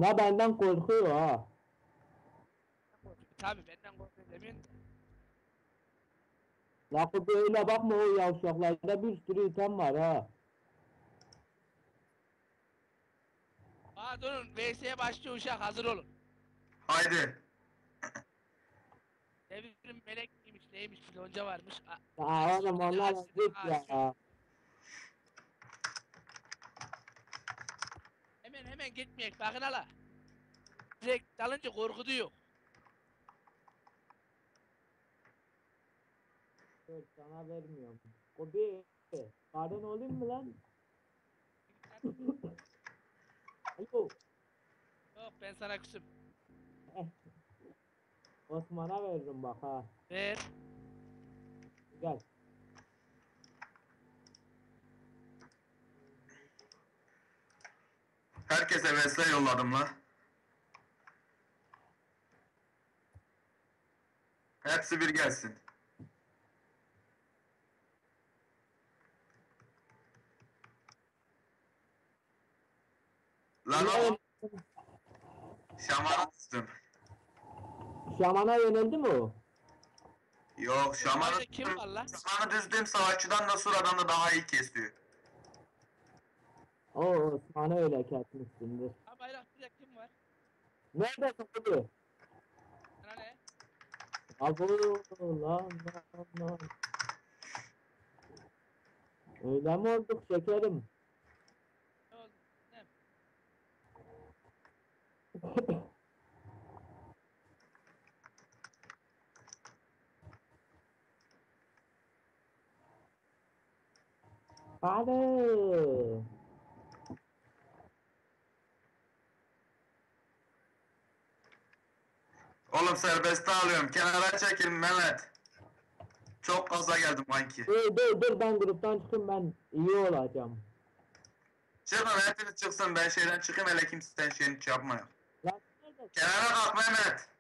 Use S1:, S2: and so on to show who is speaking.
S1: La benden korkuyor ha.
S2: Tabii benden korkuyor demeyin.
S1: La böyle bakma, o yavşaklarda bir sürü item var ha.
S2: Aa durun VS'ye başlıyor uşak hazır olun.
S3: Haydi.
S2: Devrim melek miymiş neymiş filonca varmış.
S1: Ya oğlum onlar ezik ya.
S2: Hemen gitmeyek bakın hala. Direkt dalınca korkutuyor.
S1: Dur sana vermiyorum. Kobi. Karın olayım mı lan? Alo.
S2: Yok ben sana küsüm.
S1: Eh, Osman'a veririm bak ha.
S2: Ver.
S1: Gel.
S3: Herkese vesile yolladım la. Hepsi bir gelsin. Lan o şamanı düştüm.
S1: Şaman'a yöneldi mi o?
S3: Yok şamanı
S2: Orada kim var la?
S3: şamanı düzdüğüm savaşçıdan da Sura'dan da daha iyi kesiyor.
S1: O Osman'ı öyle kesmişsindir.
S2: Ha bayrak bir kim var?
S1: Nerede Kobi?
S2: Sana ne?
S1: Abo lan. Öyle mi olduk şekerim?
S2: Ne oldu? Ne?
S1: Hadi.
S3: Oğlum serbeste alıyorum. Kenara çekil Mehmet. Çok gaza geldim kanki.
S1: Dur ben gruptan çıkayım, ben iyi olacağım.
S3: Çıkın hepiniz çıksın. Ben şeyden çıkayım hele kimse şeyini yapma.
S1: Lan neredesin?
S3: Kenara kalk Mehmet.